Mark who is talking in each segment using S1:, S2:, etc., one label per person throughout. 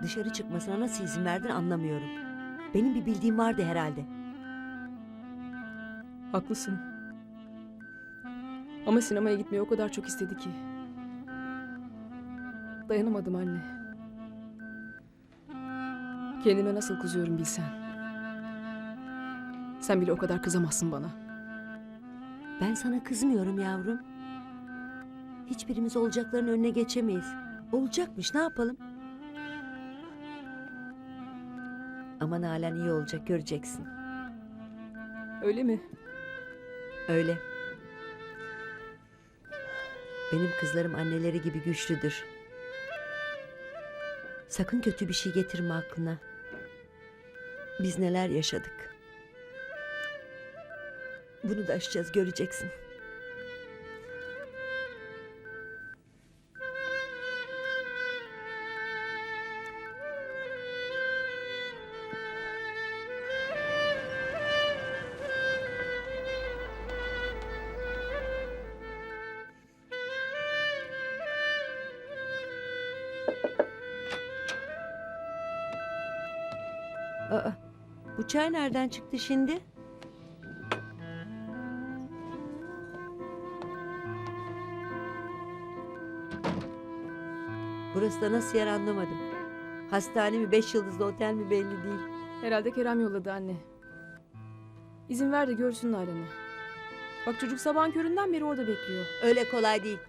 S1: Dışarı çıkmasına nasıl izin verdin anlamıyorum. Benim bir bildiğim vardı herhalde.
S2: Haklısın. Ama sinemaya gitmeyi o kadar çok istedi ki. Dayanamadım anne. Kendime nasıl kızıyorum bilsen. Sen bile o kadar kızamazsın bana.
S1: Ben sana kızmıyorum yavrum. Hiçbirimiz olacakların önüne geçemeyiz. Olacakmış, ne yapalım? Aman halen iyi olacak, göreceksin.
S2: Öyle mi?
S1: Öyle. Benim kızlarım anneleri gibi güçlüdür. Sakın kötü bir şey getirme aklına. Biz neler yaşadık. Bunu da aşacağız, göreceksin. Aa, bu çay nereden çıktı şimdi? Burası da nasıl yer anlamadım. Hastane mi, 5 yıldızlı otel mi belli değil.
S2: Herhalde Kerem yolladı anne. İzin ver de görsün Nalan'ı. Bak çocuk sabahın köründen beri orada bekliyor.
S1: Öyle kolay değil.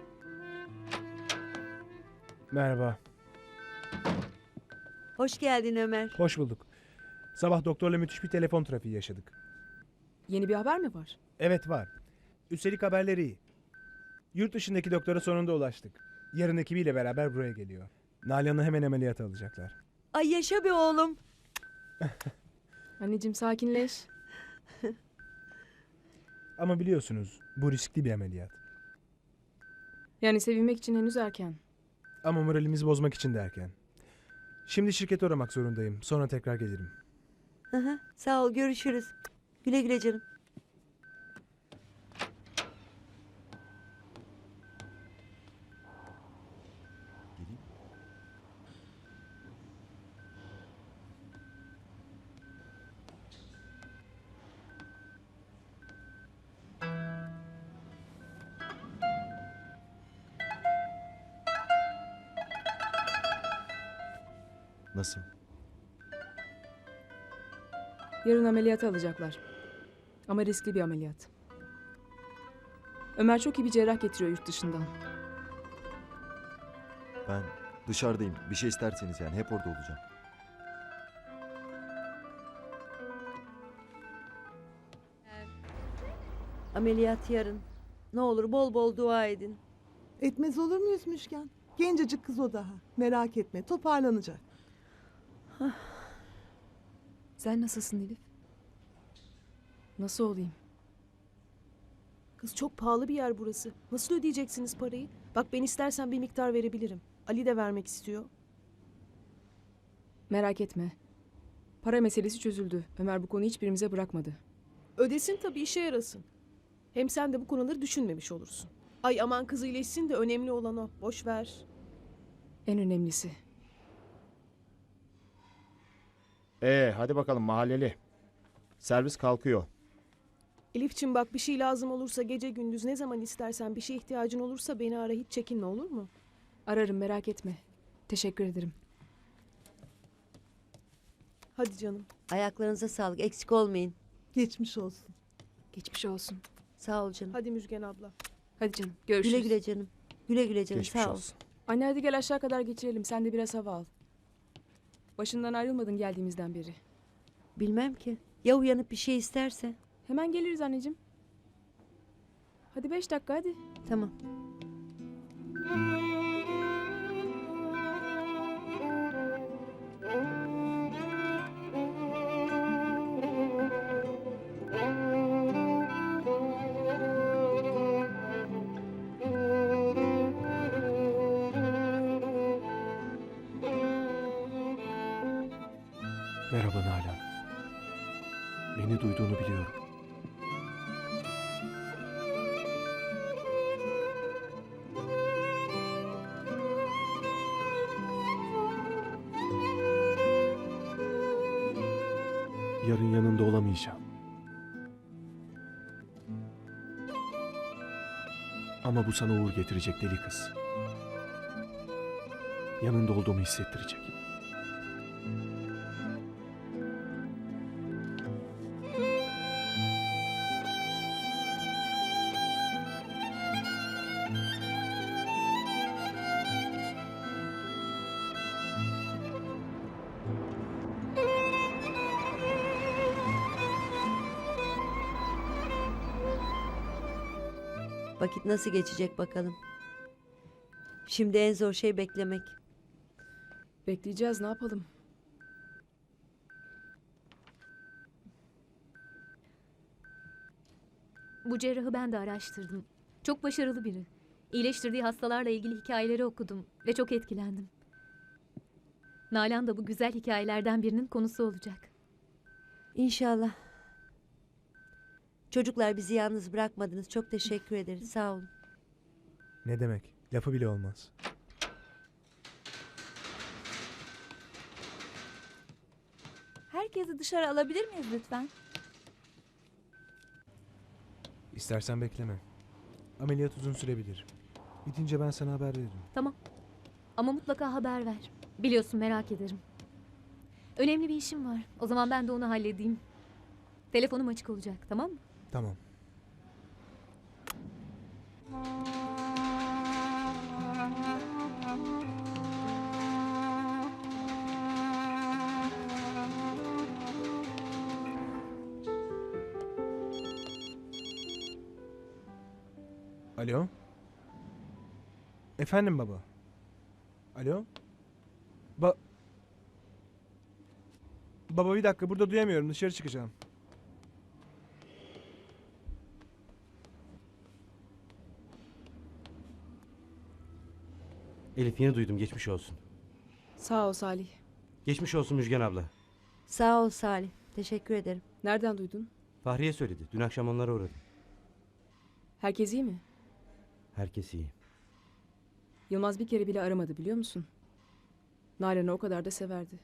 S3: Merhaba,
S1: Hoş geldin Ömer.
S3: hoş bulduk. Sabah doktorla müthiş bir telefon trafiği yaşadık.
S2: Yeni bir haber mi var?
S3: Evet var. Üstelik haberleri iyi. Yurt dışındaki doktora sonunda ulaştık. Yarın ekibiyle beraber buraya geliyor. Nalan'ı hemen ameliyata alacaklar.
S1: Ay yaşa be oğlum.
S2: Anneciğim sakinleş.
S3: Ama biliyorsunuz bu riskli bir ameliyat.
S2: Yani sevinmek için henüz erken.
S3: Ama moralimizi bozmak için derken. Şimdi şirkete uğramak zorundayım. Sonra tekrar gelirim.
S1: Hı hı, sağ ol, görüşürüz. Güle güle canım.
S4: Nasıl?
S2: Yarın ameliyata alacaklar. Ama riskli bir ameliyat. Ömer çok iyi bir cerrah getiriyor yurt dışından.
S4: Ben dışarıdayım. Bir şey isterseniz yani hep orada olacağım.
S1: Ameliyat yarın. Ne olur bol bol dua edin.
S5: Etmez olur muyuz Müşken? Gencecik kız o daha. Merak etme, toparlanacak.
S2: Sen nasılsın Elif? Nasıl olayım?
S6: Kız çok pahalı bir yer burası. Nasıl ödeyeceksiniz parayı? Bak ben istersen bir miktar verebilirim. Ali de vermek istiyor.
S2: Merak etme. Para meselesi çözüldü. Ömer bu konuyu hiçbirimize bırakmadı.
S6: Ödesin tabii, işe yarasın. Hem sen de bu konuları düşünmemiş olursun. Ay aman kız iyileşsin de önemli olan o. Boş ver.
S2: En önemlisi.
S7: Hadi bakalım mahalleli. Servis kalkıyor.
S6: Elifçim bak bir şey lazım olursa gece gündüz ne zaman istersen bir şeye ihtiyacın olursa beni ara, hiç çekinme, olur mu?
S2: Ararım, merak etme. Teşekkür ederim.
S6: Hadi canım.
S1: Ayaklarınıza sağlık, eksik olmayın.
S5: Geçmiş olsun.
S2: Geçmiş olsun.
S1: Sağ ol canım.
S6: Hadi Müjgan abla.
S2: Hadi canım, görüşürüz.
S1: Güle güle canım. Güle güle canım,
S7: Geçmiş
S1: sağ ol.
S7: olsun.
S2: Anne hadi gel aşağı kadar geçirelim. Sen de biraz hava al. Başından ayrılmadın geldiğimizden beri.
S1: Bilmem ki. Ya uyanıp bir şey isterse?
S2: Hemen geliriz anneciğim. Hadi 5 dakika hadi.
S1: Tamam.
S3: Merhaba Nalan. Beni duyduğunu biliyorum.
S8: Yarın yanında olamayacağım. Ama bu sana uğur getirecek deli kız. Yanında olduğumu hissettirecek.
S1: Vakit nasıl geçecek bakalım. Şimdi en zor şey beklemek.
S2: Bekleyeceğiz, ne yapalım?
S9: Bu cerrahı ben de araştırdım. Çok başarılı biri. İyileştirdiği hastalarla ilgili hikayeleri okudum ve çok etkilendim. Nalan da bu güzel hikayelerden birinin konusu olacak.
S1: İnşallah. Çocuklar bizi yalnız bırakmadınız. Çok teşekkür ederiz. Sağ olun.
S3: Ne demek? Lafı bile olmaz.
S10: Herkesi dışarı alabilir miyiz lütfen?
S3: İstersen bekleme. Ameliyat uzun sürebilir. Bitince ben sana haber veririm.
S9: Tamam. Ama mutlaka haber ver. Biliyorsun merak ederim. Önemli bir işim var. O zaman ben de onu halledeyim. Telefonum açık olacak, tamam mı?
S3: Tamam. Alo? Efendim baba? Alo? Baba bir dakika, burada duyamıyorum, dışarı çıkacağım.
S11: Elif yeni duydum, geçmiş olsun.
S2: Sağ ol Salih.
S11: Geçmiş olsun Müjgan abla.
S1: Sağ ol Salih. Teşekkür ederim.
S2: Nereden duydun?
S11: Fahriye söyledi. Dün akşam onlara uğradım.
S2: Herkes iyi mi?
S11: Herkes iyi.
S2: Yılmaz bir kere bile aramadı biliyor musun? Nalan'ı o kadar da severdi.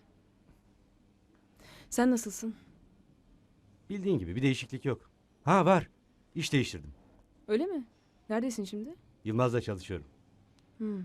S2: Sen nasılsın?
S11: Bildiğin gibi bir değişiklik yok. Ha var. İş değiştirdim.
S2: Öyle mi? Neredesin şimdi?
S11: Yılmaz'la çalışıyorum.
S2: Hmm.